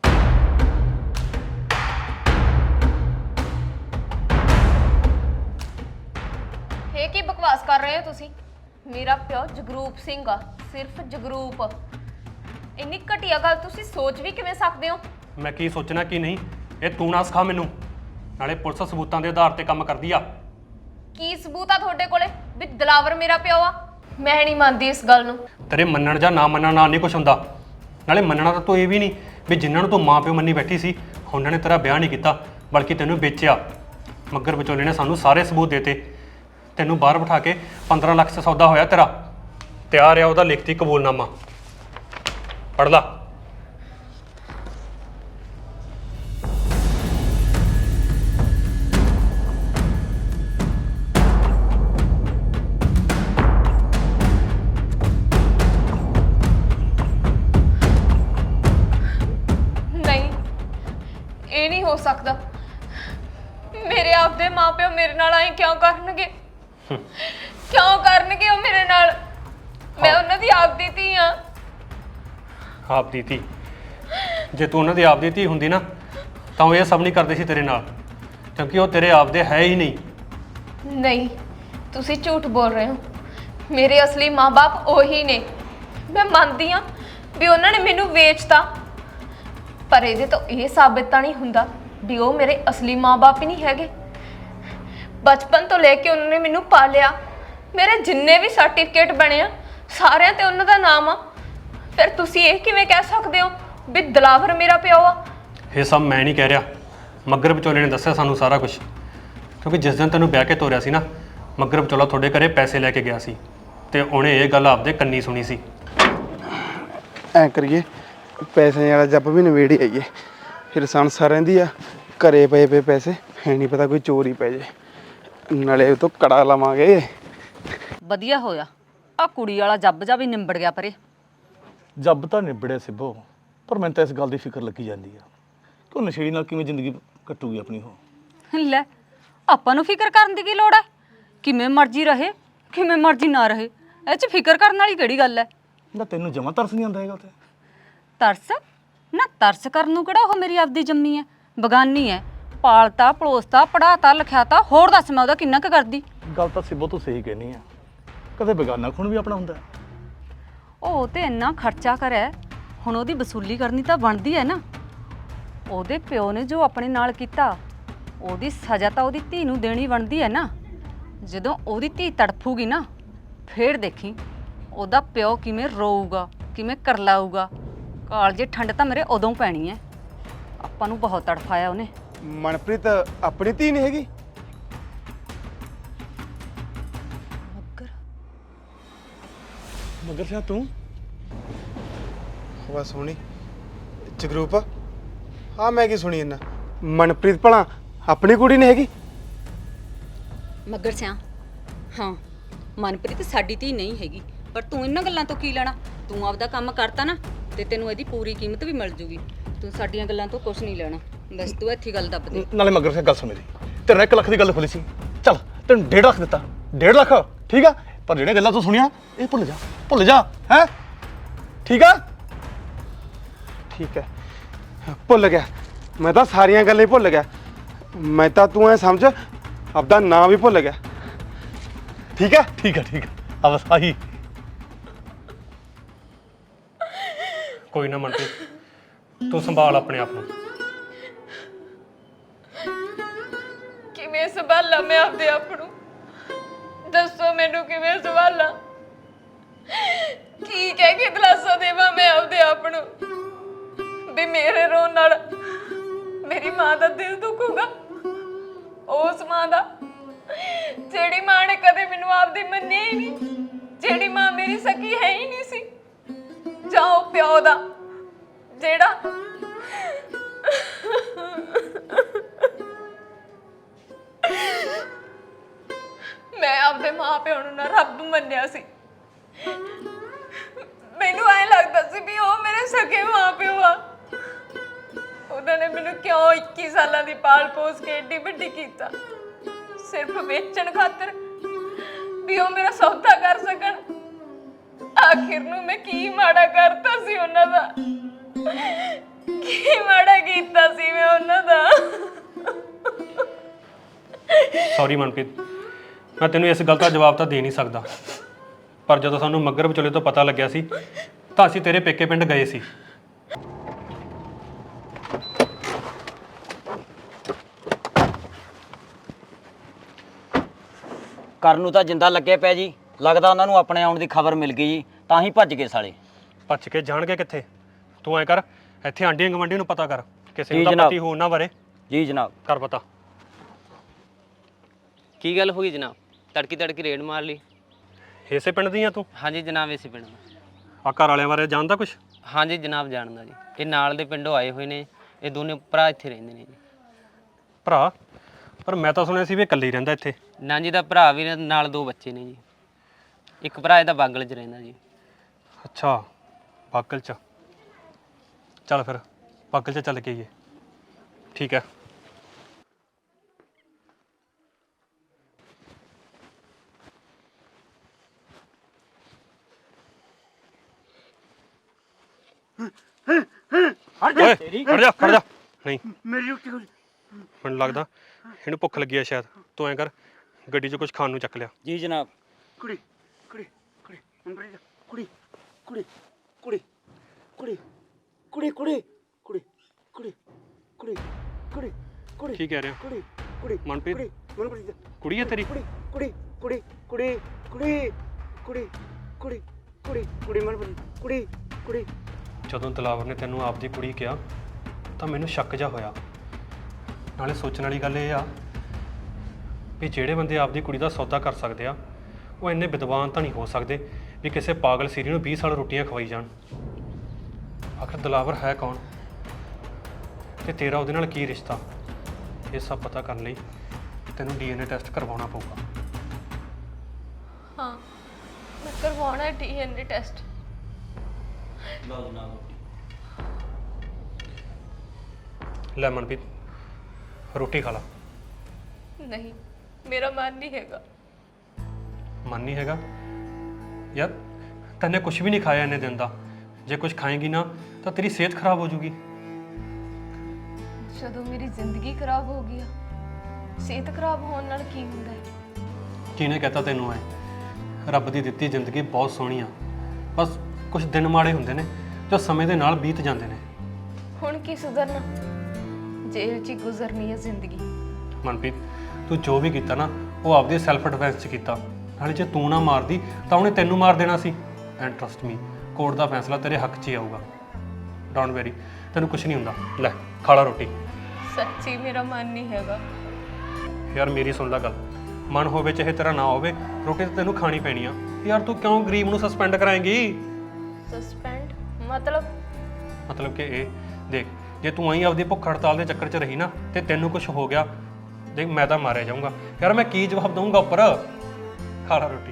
[SPEAKER 1] ਇਹ ਕੀ ਬਕਵਾਸ ਕਰ ਰਹੇ ਹੋ ਤੁਸੀਂ? ਮੇਰਾ ਪਿਓ ਜਗਰੂਪ ਸਿੰਘ ਆ, ਸਿਰਫ ਜਗਰੂਪ। ਇੰਨੀ ਘਟੀਆ ਗੱਲ ਤੁਸੀਂ ਸੋਚ ਵੀ ਕਿਵੇਂ ਸਕਦੇ ਹੋ?
[SPEAKER 4] ਮੈਂ ਕੀ ਸੋਚਣਾ ਕੀ ਨਹੀਂ, ਇਹ ਤੂੰ ਨਾ ਸਿਖਾ ਮੈਨੂੰ। ਨਾਲੇ ਪੁਲਿਸ ਸਬੂਤਾਂ ਦੇ ਆਧਾਰ ਤੇ ਕੰਮ ਕਰਦੀ ਆ।
[SPEAKER 1] ਕੀ ਸਬੂਤ ਆ ਤੁਹਾਡੇ ਕੋਲੇ ਵੀ ਦਿਲਾਵਰ ਮੇਰਾ ਪਿਓ ਆ? ਮੈਂ ਨਹੀਂ ਮੰਨਦੀ ਇਸ ਗੱਲ ਨੂੰ।
[SPEAKER 4] ਤੇਰੇ ਮੰਨਣ ਜਾਂ ਨਾ ਮੰਨਣ ਨਾਲ ਨਹੀਂ ਕੁਝ ਹੁੰਦਾ। ਨਾਲੇ ਮੰਨਣਾ ਤਾਂ ਤੂੰ ਇਹ ਵੀ ਨਹੀਂ ਵੀ ਜਿਨ੍ਹਾਂ ਨੂੰ ਤੂੰ ਮਾਂ ਪਿਓ ਮੰਨੀ ਬੈਠੀ ਸੀ ਉਹਨਾਂ ਨੇ ਤੇਰਾ ਵਿਆਹ ਨਹੀਂ ਕੀਤਾ ਬਲਕਿ ਤੈਨੂੰ ਵੇਚਿਆ। ਮੱਗਰ ਵਿਚੋਲੇ ਨੇ ਸਾਨੂੰ ਸਾਰੇ ਸਬੂਤ ਦੇਤੇ। ਤੈਨੂੰ ਬਾਹਰ ਬਿਠਾ ਕੇ 15 ਲੱਖ 'ਚ ਸੌਦਾ ਹੋਇਆ ਤੇਰਾ। ਤਿਆਰ ਆ ਉਹਦਾ ਲਿਖਤੀ ਕਬੂਲਨਾਮਾ, ਪੜ੍ਹ ਲਾ।
[SPEAKER 1] ਨਹੀਂ, ਇਹ ਨਹੀਂ ਹੋ ਸਕਦਾ। ਮੇਰੇ ਆਪਦੇ ਮਾਪਿਓ ਮੇਰੇ ਨਾਲ ਆਏ ਕਿਉਂ ਕਰਨਗੇ? ਕਿਉਂ ਕਰਨਗੇ ਉਹ ਮੇਰੇ ਨਾਲ? ਮੈਂ ਉਹਨਾਂ ਦੀ ਆਪਦੀ ਧੀ ਆ।
[SPEAKER 4] ਆਪਦੀ ਧੀ? ਜੇ ਤੂੰ ਉਹਨਾਂ ਦੀ ਆਪਦੀ ਧੀ ਹੁੰਦੀ ਨਾ ਤਾਂ ਉਹ ਇਹ ਸਭ ਨਹੀਂ ਕਰਦੇ ਸੀ ਤੇਰੇ ਨਾਲ, ਕਿਉਂਕਿ ਉਹ ਤੇਰੇ ਆਪਦੇ ਹੈ ਹੀ ਨਹੀਂ।
[SPEAKER 1] ਨਹੀਂ, ਤੁਸੀਂ ਝੂਠ ਬੋਲ ਰਹੇ ਹੋ। ਮੇਰੇ ਅਸਲੀ ਮਾਂ-ਬਾਪ ਉਹੀ ਨੇ। ਮੈਂ ਮੰਨਦੀ ਆ ਵੀ ਉਹਨਾਂ ਨੇ ਮੈਨੂੰ ਵੇਚਤਾ, ਪਰ ਇਹਦੇ ਤੋਂ ਇਹ ਸਾਬਿਤ ਤਾਂ ਨਹੀਂ ਹੁੰਦਾ ਵੀ ਉਹ ਮੇਰੇ ਅਸਲੀ ਮਾਂ-ਬਾਪ ਹੀ ਨਹੀਂ ਹੈਗੇ। ਬਚਪਨ ਤੋਂ ਲੈ ਕੇ ਉਹਨਾਂ ਨੇ ਮੈਨੂੰ ਪਾਲਿਆ, ਮੇਰੇ ਜਿੰਨੇ ਵੀ ਸਰਟੀਫਿਕੇਟ ਬਣੇ ਆ ਸਾਰਿਆਂ ਤੇ ਉਹਨਾਂ ਦਾ ਨਾਮ ਆ। ਫਿਰ ਤੁਸੀਂ ਇਹ ਕਿਵੇਂ ਕਹਿ ਸਕਦੇ ਹੋ ਵੀ ਦਿਲਾਵਰ ਮੇਰਾ ਪਿਓ ਆ?
[SPEAKER 4] ਇਹ ਸਭ ਮੈਂ ਨਹੀਂ ਕਹਿ ਰਿਹਾ, ਮੱਗਰ ਵਿਚੋਲੇ ਨੇ ਦੱਸਿਆ ਸਾਨੂੰ ਸਾਰਾ ਕੁਝ। ਕਿਉਂਕਿ ਜਿਸ ਦਿਨ ਤੈਨੂੰ ਵਿਆਹ ਕੇ ਤੋਰਿਆ ਸੀ ਨਾ, ਮੱਗਰ ਵਿਚੋਲਾ ਤੁਹਾਡੇ ਘਰੇ ਪੈਸੇ ਲੈ ਕੇ ਗਿਆ ਸੀ ਤੇ ਉਹਨੇ ਇਹ ਗੱਲ ਆਪਦੇ ਕੰਨੀ ਸੁਣੀ ਸੀ।
[SPEAKER 2] ਐਂ ਕਰੀਏ, ਪੈਸੇ ਵਾਲਾ ਜੱਬ ਵੀ ਨਵੇੜੇ ਆਈਏ, ਫਿਰ ਸੰਸਾਰ ਰਹਿੰਦੀ ਆ। ਘਰੇ ਪਏ ਪੈਸੇ ਹੈ ਨਹੀਂ ਪਤਾ ਕੋਈ ਚੋਰੀ ਪੈ ਜੇ, ਨਾਲੇ ਉਹ ਤੋਂ ਕੜਾ ਲਵਾਂਗੇ।
[SPEAKER 6] ਵਧੀਆ ਹੋਇਆ ਆ ਕੁੜੀ ਵਾਲਾ ਜੱਬ ਜਾ ਵੀ ਨਿੰਬੜ ਗਿਆ ਪਰੇ।
[SPEAKER 7] ਜੱਬ ਤਾਂ ਨਿਬੜਿਆ ਸਿੱਬੋ, ਪਰ ਮੈਨੂੰ ਤਾਂ ਇਸ ਗੱਲ ਦੀ ਫਿਕਰ ਲੱਗੀ ਜਾਂਦੀ ਆ ਕਿ ਉਹ ਨਸ਼ੇੜੀ ਨਾਲ ਕਿਵੇਂ ਜ਼ਿੰਦਗੀ ਕੱਟੂਗੀ ਆਪਣੀ ਉਹ।
[SPEAKER 6] ਲੈ ਆਪਾਂ ਨੂੰ ਫਿਕਰ ਕਰਨ ਦੀ ਕੀ ਲੋੜ ਹੈ? ਕਿਵੇਂ ਮਰਜ਼ੀ ਰਹੇ, ਕਿਵੇਂ ਮਰਜ਼ੀ ਨਾ ਰਹੇ, ਇਹ 'ਚ ਫਿਕਰ ਕਰਨ ਵਾਲੀ ਕਿਹੜੀ ਗੱਲ ਹੈ?
[SPEAKER 7] ਨਾ ਤੈਨੂੰ ਜਮਾਂ ਤਰਸ ਨਹੀਂ ਆਉਂਦਾ ਹੈਗਾ ਉੱਥੇ?
[SPEAKER 6] ਤਰਸ ਨਾ, ਤਰਸ ਕਰਨ ਨੂੰ ਕਿਹੜਾ ਉਹ ਮੇਰੀ ਆਪਦੀ ਜੰਮੀ ਹੈ, ਬਗਾਨੀ ਹੈ। ਪਾਲਤਾ ਪਲੋਸਤਾ ਪੜਾਤਾ ਲਿਖਿਆਤਾ, ਹੋਰ ਦੱਸ ਮੈਂ ਉਹਦਾ ਕਿੰਨਾ ਕੁ ਕਰਦੀ।
[SPEAKER 7] ਗੱਲ ਤਾਂ ਸਿੱਬੋ ਤੂੰ ਸਹੀ ਕਹਿਨੀ ਆ, ਕਦੇ ਬੇਗਾਨਾ ਖੂਨ ਵੀ ਆਪਣਾ ਹੁੰਦਾ।
[SPEAKER 6] ਉਹ ਤੇ ਇੰਨਾ ਖਰਚਾ ਕਰਿਆ, ਹੁਣ ਉਹਦੀ ਵਸੂਲੀ ਕਰਨੀ ਤਾਂ ਬਣਦੀ ਹੈ ਨਾ। ਉਹਦੇ ਪਿਓ ਨੇ ਜੋ ਆਪਣੇ ਨਾਲ ਕੀਤਾ, ਉਹਦੀ ਸਜ਼ਾ ਤਾਂ ਉਹਦੀ ਧੀ ਨੂੰ ਦੇਣੀ ਬਣਦੀ ਹੈ ਨਾ। ਜਦੋਂ ਉਹਦੀ ਧੀ ਤੜਫੂਗੀ ਨਾ, ਫੇਰ ਦੇਖੀ ਉਹਦਾ ਪਿਓ ਕਿਵੇਂ ਰੋਊਗਾ, ਕਿਵੇਂ ਕਰਲਾਊਗਾ। ਕਾਲਜੇ ਠੰਡ ਤਾਂ ਮੇਰੇ ਉਦੋਂ ਪੈਣੀ ਹੈ। ਆਪਾਂ ਨੂੰ ਬਹੁਤ ਤੜਫਾਇਆ ਉਹਨੇ।
[SPEAKER 2] ਮਨਪ੍ਰੀਤ ਆਪਣੀ ਧੀ ਨਹੀਂ ਹੈਗੀ?
[SPEAKER 7] ਮਗਰ ਸਿਆ ਤੂੰ
[SPEAKER 2] ਬਸ ਸੁਣੀ ਜਗਰੂਪ, ਹਾਂ ਮੈਂ ਕੀ ਸੁਣੀ ਇਹਨਾਂ? ਮਨਪ੍ਰੀਤ ਭਲਾ ਆਪਣੀ ਕੁੜੀ ਨਹੀਂ ਹੈਗੀ?
[SPEAKER 6] ਮੱਗਰ ਸਿਆ, ਹਾਂ ਮਨਪ੍ਰੀਤ ਸਾਡੀ ਧੀ ਨਹੀਂ ਹੈਗੀ, ਪਰ ਤੂੰ ਇਹਨਾਂ ਗੱਲਾਂ ਤੋਂ ਕੀ ਲੈਣਾ? ਤੂੰ ਆਪਦਾ ਕੰਮ ਕਰਤਾ ਨਾ ਤੇ ਤੈਨੂੰ ਇਹਦੀ ਪੂਰੀ ਕੀਮਤ ਵੀ ਮਿਲ ਜੂਗੀ। ਤੂੰ ਸਾਡੀਆਂ ਗੱਲਾਂ ਤੋਂ ਕੁਝ ਨਹੀਂ ਲੈਣਾ, ਬਸ ਤੂੰ ਇੱਥੇ ਗੱਲ ਦੱਬ ਦੇ।
[SPEAKER 7] ਨਾਲੇ ਮਗਰ ਸਿਆ ਗੱਲ ਸੁਣ ਮੇਰੀ, ਤੇਰੇ 1 ਲੱਖ ਦੀ ਗੱਲ ਖੁੱਲੀ ਸੀ, ਚੱਲ ਤੈਨੂੰ 1.5 ਲੱਖ ਦਿੱਤਾ, 1.5 ਲੱਖ ਠੀਕ ਆ, ਪਰ ਜਿਹੜੀਆਂ ਗੱਲਾਂ ਤੂੰ ਸੁਣੀਆਂ ਇਹ ਭੁੱਲ ਜਾ ਹੈ, ਠੀਕ ਆ?
[SPEAKER 2] ਠੀਕ ਹੈ, ਭੁੱਲ ਗਿਆ ਮੈਂ ਤਾਂ, ਸਾਰੀਆਂ ਗੱਲਾਂ ਹੀ ਭੁੱਲ ਗਿਆ ਮੈਂ ਤਾਂ। ਤੂੰ ਐ ਸਮਝ ਆਪਦਾ ਨਾਂ ਵੀ ਭੁੱਲ ਗਿਆ। ਠੀਕ ਹੈ?
[SPEAKER 7] ਠੀਕ ਆ ਆ ਬਸ ਆਹੀ।
[SPEAKER 4] ਕੋਈ ਨਾ ਮਨਪ੍ਰੀਤ, ਤੂੰ ਸੰਭਾਲ ਆਪਣੇ ਆਪ ਨੂੰ।
[SPEAKER 1] ਕਿਵੇਂ ਸੰਭਾਲਾਂ ਮੈਂ ਆਪਦੇ ਆਪ ਨੂੰ? ਦੱਸੋ ਮੈਨੂੰ ਕਿਵੇਂ ਸੰਭਾਲਾਂ? ਕੀ ਕਹਿ ਕੇ ਦਿਲਾਸਾ ਦੇਵਾਂ ਮੈਂ ਆਪਦੇ ਆਪ ਨੂੰ ਵੀ ਮੇਰੇ ਰੋਣ ਨਾਲ ਮੇਰੀ ਮਾਂ ਦਾ ਦਿਲ ਦੁਖੂਗਾ? ਉਸ ਮਾਂ ਦਾ ਜਿਹੜੀ ਮਾਂ ਨੇ ਕਦੇ ਮੈਨੂੰ ਆਪਦੀ ਮੰਨੀ ਹੀ ਨਹੀਂ, ਜਿਹੜੀ ਮਾਂ ਮੇਰੀ ਸਕੀ ਹੈ ਹੀ ਨਹੀਂ ਸੀ, ਜਾਂ ਉਹ ਪਿਓ ਦਾ ਜਿਹੜਾ ਮੈਂ ਆਪਦੇ ਮਾਂ ਪਿਓ ਨੂੰ ਨਾ ਰੱਬ ਮੰਨਿਆ ਸੀ। ਮੈਨੂੰ ਐਂ ਲੱਗਦਾ ਸੀ ਵੀ ਉਹ ਮੇਰੇ ਸਕੇ ਮਾਂ ਪਿਓ ਆ। ਉਹਨਾਂ ਨੇ ਮੈਨੂੰ ਕਿਉਂ 21 ਸਾਲਾਂ ਦੀ ਪਾਲ ਪੋਸ ਕੇ ਏਡੀ ਵੱਡੀ ਕੀਤਾ, ਸਿਰਫ ਵੇਚਣ ਖਾਤਰ ਵੀ ਉਹ ਮੇਰਾ ਸੌਦਾ ਕਰ ਸਕਣ। ਆਖਿਰ ਨੂੰ ਮੈਂ ਕੀ ਮਾੜਾ ਕਰਤਾ ਸੀ ਉਹਨਾਂ ਦਾ? ਕੀ ਮਾੜਾ ਕੀਤਾ ਸੀ ਮੈਂ ਉਹਨਾਂ ਦਾ?
[SPEAKER 4] ਸੌਰੀ ਮਨਪ੍ਰੀਤ, ਮੈਂ ਤੈਨੂੰ ਇਸ ਗੱਲ ਦਾ ਜਵਾਬ ਤਾਂ ਦੇ ਨਹੀਂ ਸਕਦਾ, ਪਰ ਜਦੋਂ ਸਾਨੂੰ ਮੱਗਰ ਵਿਚੋਲੇ ਤੋਂ ਪਤਾ ਲੱਗਿਆ ਸੀ ਤਾਂ ਅਸੀਂ ਤੇਰੇ ਪੇਕੇ ਪਿੰਡ ਗਏ ਸੀ।
[SPEAKER 5] ਕਰਨ ਨੂੰ ਤਾਂ ਜਿੰਦਾ ਲੱਗੇ ਪਿਆ ਜੀ, ਲੱਗਦਾ ਉਹਨਾਂ ਨੂੰ ਆਪਣੇ ਆਉਣ ਦੀ ਖਬਰ ਮਿਲ ਗਈ ਜੀ, ਤਾਂ ਹੀ ਭੱਜ ਗਏ ਸਾਲੇ।
[SPEAKER 4] ਭੱਜ ਕੇ ਜਾਣਗੇ ਕਿੱਥੇ? ਤੂੰ ਐ ਕਰ, ਇੱਥੇ ਆਂਢੀਆਂ ਗਵਾਂਢੀ ਨੂੰ ਪਤਾ ਕਰ, ਕਿਸੇ
[SPEAKER 5] ਜੀ
[SPEAKER 4] ਨੂੰ ਤਾਂ
[SPEAKER 5] ਜਨਾਬ।
[SPEAKER 4] ਪਤੀ ਹੋ ਉਹਨਾਂ ਬਾਰੇ।
[SPEAKER 5] ਜੀ ਜਨਾਬ।
[SPEAKER 4] ਕਰ ਪਤਾ।
[SPEAKER 8] ਕੀ ਗੱਲ ਹੋ ਗਈ ਜਨਾਬ? ਤੜਕੀ ਰੇਡ ਮਾਰ ਲਈ?
[SPEAKER 4] ਇਸੇ ਪਿੰਡ ਦੀ ਆ ਤੂੰ?
[SPEAKER 8] ਹਾਂਜੀ ਜਨਾਬ, ਇਸੇ ਪਿੰਡ ਦਾ।
[SPEAKER 4] ਆ ਘਰ ਵਾਲਿਆਂ ਬਾਰੇ ਜਾਣਦਾ ਕੁਛ?
[SPEAKER 8] ਹਾਂਜੀ ਜਨਾਬ, ਜਾਣਦਾ ਜੀ। ਇਹ ਨਾਲ ਦੇ ਪਿੰਡੋਂ ਆਏ ਹੋਏ ਨੇ, ਇਹ ਦੋਨੇ ਭਰਾ ਇੱਥੇ ਰਹਿੰਦੇ ਨੇ ਜੀ।
[SPEAKER 4] ਭਰਾ? ਪਰ ਮੈਂ ਤਾਂ ਸੁਣਿਆ ਸੀ ਵੀ ਇਹ ਇਕੱਲੇ ਹੀ ਰਹਿੰਦਾ ਇੱਥੇ।
[SPEAKER 8] ਨਾ ਜੀ, ਦਾ ਭਰਾ ਵੀ ਨਾਲ 2 ਬੱਚੇ ਨੇ ਜੀ। ਇੱਕ ਭਰਾ ਇਹਦਾ ਬਾਗਲ 'ਚ ਰਹਿੰਦਾ ਜੀ।
[SPEAKER 4] ਅੱਛਾ, ਬਾਗਲ 'ਚ। ਚੱਲ ਫਿਰ ਬਾਗਲ 'ਚ ਚੱਲ ਕੇ ਆਈਏ। ਠੀਕ ਹੈ। ਓਏ ਖੜ ਜਾ। ਨਹੀਂ,
[SPEAKER 3] ਮੇਰੀ ਰੋਟੀ ਖੋਲ।
[SPEAKER 4] ਮੈਨੂੰ ਲੱਗਦਾ ਇਹਨੂੰ ਭੁੱਖ ਲੱਗੀ ਆ ਸ਼ਾਇਦ। ਤੂੰ ਐਂ ਕਰ, ਗੱਡੀ 'ਚ ਕੁਝ ਖਾਣ ਨੂੰ ਚੱਕ ਲਿਆ।
[SPEAKER 5] ਜੀ ਜਨਾਬ।
[SPEAKER 3] ਕੁੜੀ ਕੁੜੀ ਕੁੜੀ ਮਨਪ੍ਰੀਤ ਕੁੜੀ ਕੁੜੀ ਕੁੜੀ ਕੁੜੀ ਕੁੜੀ ਕੁੜੀ ਕੁੜੀ ਕੁੜੀ ਕੁੜੀ ਕੁੜੀ ਕੁੜੀ
[SPEAKER 4] ਕੀ ਕਹਿ ਰਿਹਾ
[SPEAKER 3] ਕੁੜੀ ਕੁੜੀ
[SPEAKER 4] ਮਨਪ੍ਰੀਤ?
[SPEAKER 3] ਕੁੜੀ ਮਨਪ੍ਰੀਤ
[SPEAKER 4] ਕੁੜੀ ਹੈ ਤੇਰੀ?
[SPEAKER 3] ਕੁੜੀ ਕੁੜੀ ਕੁੜੀ ਕੁੜੀ ਕੁੜੀ ਕੁੜੀ ਕੁੜੀ ਕੁੜੀ ਕੁੜੀ ਮਨਪ੍ਰੀਤ ਕੁੜੀ ਕੁੜੀ
[SPEAKER 4] ਜਦੋਂ ਦਿਲਾਵਰ ਨੇ ਤੈਨੂੰ ਆਪਦੀ ਕੁੜੀ ਕਿਹਾ ਤਾਂ ਮੈਨੂੰ ਸ਼ੱਕ ਜਾ ਹੋਇਆ। ਨਾਲੇ ਸੋਚਣ ਵਾਲੀ ਗੱਲ ਇਹ ਆ ਵੀ ਜਿਹੜੇ ਬੰਦੇ ਆਪਦੀ ਕੁੜੀ ਦਾ ਸੌਦਾ ਕਰ ਸਕਦੇ ਆ ਉਹ ਇੰਨੇ ਵਿਦਵਾਨ ਤਾਂ ਨਹੀਂ ਹੋ ਸਕਦੇ ਵੀ ਕਿਸੇ ਪਾਗਲ ਸੀਰੀ ਨੂੰ 20 ਸਾਲ ਰੋਟੀਆਂ ਖਵਾਈ ਜਾਣ। ਆਖਰ ਦਿਲਾਵਰ ਹੈ ਕੌਣ ਤੇ ਤੇਰਾ ਉਹਦੇ ਨਾਲ ਕੀ ਰਿਸ਼ਤਾ, ਇਹ ਸਭ ਪਤਾ ਕਰਨ ਲਈ ਤੈਨੂੰ DNA ਟੈਸਟ ਕਰਵਾਉਣਾ ਪਊਗਾ।
[SPEAKER 1] ਹਾਂ ਮੈਂ ਕਰਵਾਉਣਾ ਹੈ DNA ਟੈਸਟ।
[SPEAKER 5] ਲਓ ਜਨਾਬ।
[SPEAKER 4] ਲੈ ਮਨਪ੍ਰੀਤ ਰੋਟੀ ਖਾ ਲਾ।
[SPEAKER 1] ਨਹੀਂ ਮੇਰਾ ਮਨ ਨਹੀਂ ਹੈਗਾ।
[SPEAKER 4] ਮਨ ਨਹੀਂ ਹੈਗਾ ਯਾਰ, ਤੈਨੇ ਕੁਝ ਵੀ ਨਹੀਂ ਖਾਇਆ ਇੰਨੇ ਦਿਨ ਦਾ। ਜੇ ਕੁਝ ਖਾਏਂਗੀ ਨਾ ਤਾਂ ਤੇਰੀ ਸਿਹਤ ਖਰਾਬ ਹੋ ਜੂਗੀ।
[SPEAKER 1] ਜਦੋਂ ਮੇਰੀ ਜ਼ਿੰਦਗੀ ਖਰਾਬ ਹੋ ਗਈ ਆ, ਸਿਹਤ ਖਰਾਬ ਹੋਣ ਨਾਲ ਕੀ ਹੁੰਦਾ ਹੈ?
[SPEAKER 4] ਕਿਹਨੇ ਕਹਤਾ ਤੈਨੂੰ ਐ? ਰੱਬ ਦੀ ਦਿੱਤੀ ਜ਼ਿੰਦਗੀ ਬਹੁਤ ਸੋਹਣੀ ਆ, ਬਸ ਕੁਝ ਦਿਨ ਮਾੜੇ ਹੁੰਦੇ ਨੇ ਜੋ ਸਮੇਂ ਦੇ ਨਾਲ ਬੀਤ ਜਾਂਦੇ ਨੇ।
[SPEAKER 1] ਹੁਣ ਕੀ ਸੁਧਰਨਾ? ਜੇਲ੍ਹ 'ਚ ਹੀ ਗੁਜ਼ਰਨੀ ਹੈ ਜ਼ਿੰਦਗੀ।
[SPEAKER 4] ਮਨਪ੍ਰੀਤ ਤੂੰ ਜੋ ਵੀ ਕੀਤਾ ਨਾ ਉਹ ਆਪਦੇ ਸੈਲਫ ਡਿਫੈਂਸ 'ਚ ਕੀਤਾ। ਨਾਲੇ ਜੇ ਤੂੰ ਨਾ ਮਾਰਦੀ ਤਾਂ ਉਹਨੇ ਤੈਨੂੰ ਮਾਰ ਦੇਣਾ ਸੀ। ਐਂਡ ਟਰਸਟ ਮੀ, ਕੋਰਟ ਦਾ ਫੈਸਲਾ ਤੇਰੇ ਹੱਕ 'ਚ ਹੀ ਆਊਗਾ। ਡੋਂਟ ਵੈਰੀ, ਤੈਨੂੰ ਕੁਝ ਨਹੀਂ ਹੁੰਦਾ। ਲੈ ਖਾ ਲਾ ਰੋਟੀ।
[SPEAKER 1] ਸੱਚੀ ਮੇਰਾ ਮਨ ਨਹੀਂ ਹੈਗਾ।
[SPEAKER 4] ਯਾਰ ਮੇਰੀ ਸੁਣ ਲੈ ਗੱਲ, ਮਨ ਹੋਵੇ ਚਾਹੇ ਤੇਰਾ ਨਾ ਹੋਵੇ, ਰੋਟੀ ਤਾਂ ਤੈਨੂੰ ਖਾਣੀ ਪੈਣੀ ਆ। ਯਾਰ ਤੂੰ ਕਿਉਂ ਗਰੀਬ ਨੂੰ ਸਸਪੈਂਡ ਕਰਾਏਂਗੀ?
[SPEAKER 1] ਸਸਪੈਂਡ ਮਤਲਬ
[SPEAKER 4] ਕਿ ਇਹ ਦੇਖ, ਜੇ ਤੂੰ ਆਈ ਆਪਦੀ ਭੁੱਖ ਹੜਤਾਲ ਦੇ ਚੱਕਰ 'ਚ ਰਹੀ ਨਾ ਤੇ ਤੈਨੂੰ ਕੁਝ ਹੋ ਗਿਆ, ਦੇਖ ਮੈਂ ਤਾਂ ਮਾਰਿਆ ਜਾਊਂਗਾ। ਯਾਰ ਮੈਂ ਕੀ ਜਵਾਬ ਦਊਂਗਾ ਉੱਪਰ? ਖਾ ਲਾ ਰੋਟੀ।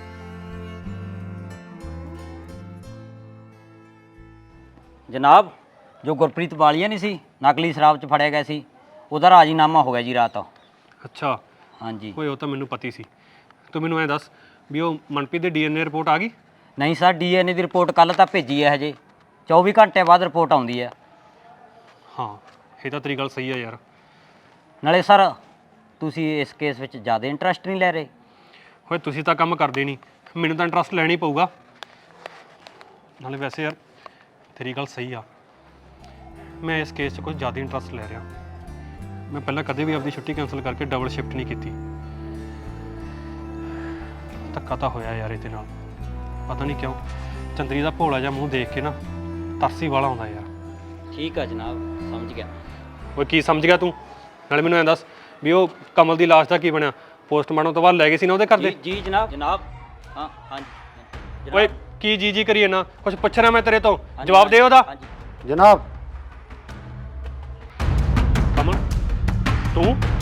[SPEAKER 5] ਜਨਾਬ, ਜੋ ਗੁਰਪ੍ਰੀਤ ਵਾਲੀਆ ਨਹੀਂ ਸੀ, ਨਕਲੀ ਸ਼ਰਾਬ 'ਚ ਫੜਿਆ ਗਿਆ ਸੀ, ਉਹਦਾ ਰਾਜੀਨਾਮਾ ਹੋ ਗਿਆ ਜੀ ਰਾਤ।
[SPEAKER 4] ਅੱਛਾ
[SPEAKER 5] ਹਾਂਜੀ।
[SPEAKER 4] ਓਏ ਉਹ ਤਾਂ ਮੈਨੂੰ ਪਤੀ ਸੀ। ਤੂੰ ਮੈਨੂੰ ਐਂ ਦੱਸ ਵੀ ਉਹ ਮਨਪ੍ਰੀਤ ਦੀ DNA ਰਿਪੋਰਟ ਆ ਗਈ?
[SPEAKER 5] ਨਹੀਂ ਸਰ, DNA ਦੀ ਰਿਪੋਰਟ ਕੱਲ ਤਾਂ ਭੇਜੀ ਹੈ ਹਜੇ, 24 ਘੰਟੇ ਬਾਅਦ ਰਿਪੋਰਟ ਆਉਂਦੀ ਹੈ।
[SPEAKER 4] ਹਾਂ ਇਹ ਤਾਂ ਤੇਰੀ ਗੱਲ ਸਹੀ ਆ ਯਾਰ।
[SPEAKER 5] ਨਾਲੇ ਸਰ ਤੁਸੀਂ ਇਸ ਕੇਸ ਵਿੱਚ ਜ਼ਿਆਦਾ ਇੰਟਰਸਟ ਨਹੀਂ ਲੈ ਰਹੇ?
[SPEAKER 4] ਓਏ ਤੁਸੀਂ ਤਾਂ ਕੰਮ ਕਰਦੇ ਨਹੀਂ, ਮੈਨੂੰ ਤਾਂ ਇੰਟਰਸਟ ਲੈਣਾ ਹੀ ਪਊਗਾ। ਨਾਲੇ ਵੈਸੇ ਯਾਰ ਤੇਰੀ ਗੱਲ ਸਹੀ ਆ, ਮੈਂ ਇਸ ਕੇਸ 'ਚ ਕੁਝ ਜ਼ਿਆਦਾ ਇੰਟਰਸਟ ਲੈ ਰਿਹਾ। ਮੈਂ ਪਹਿਲਾਂ ਕਦੇ ਵੀ ਆਪਦੀ ਛੁੱਟੀ ਕੈਂਸਲ ਕਰਕੇ ਡਬਲ ਸ਼ਿਫਟ ਨਹੀਂ ਕੀਤੀ। ਧੱਕਾ ਤਾਂ ਹੋਇਆ ਯਾਰ ਇਹਦੇ ਨਾਲ, ਪਤਾ ਨਹੀਂ ਕਿਉਂ। ਚੰਦਰੀ ਦਾ ਭੋਲਾ ਜਿਹਾ ਮੂੰਹ ਦੇਖ ਕੇ ਨਾ ਤਰਸੀ ਵਾਲਾ ਆਉਂਦਾ ਯਾਰ।
[SPEAKER 5] ਠੀਕ ਆ ਜਨਾਬ, ਸਮਝ ਗਿਆ।
[SPEAKER 4] ਓਏ ਕੀ ਸਮਝ ਗਿਆ ਤੂੰ? ਨਾਲੇ ਮੈਨੂੰ ਐਂ ਦੱਸ ਵੀ ਉਹ ਕਮਲ ਦੀ ਲਾਸ਼ ਦਾ ਕੀ ਬਣਿਆ? ਪੋਸਟਮਾਰਟਮ ਤੋਂ ਬਾਅਦ ਲੈ ਗਏ ਸੀ ਨਾ ਉਹਦੇ ਘਰ ਦੇ?
[SPEAKER 5] ਜੀ ਜਨਾਬ। ਹਾਂ ਹਾਂਜੀ।
[SPEAKER 4] ਓਏ ਕੀ ਜੀ ਕਰੀਏ ਨਾ, ਕੁਝ ਪੁੱਛਣਾ ਮੈਂ ਤੇਰੇ ਤੋਂ, ਜਵਾਬ ਦੇ ਉਹਦਾ।
[SPEAKER 3] ਜਨਾਬ
[SPEAKER 4] ਕਮਲ ਤੂੰ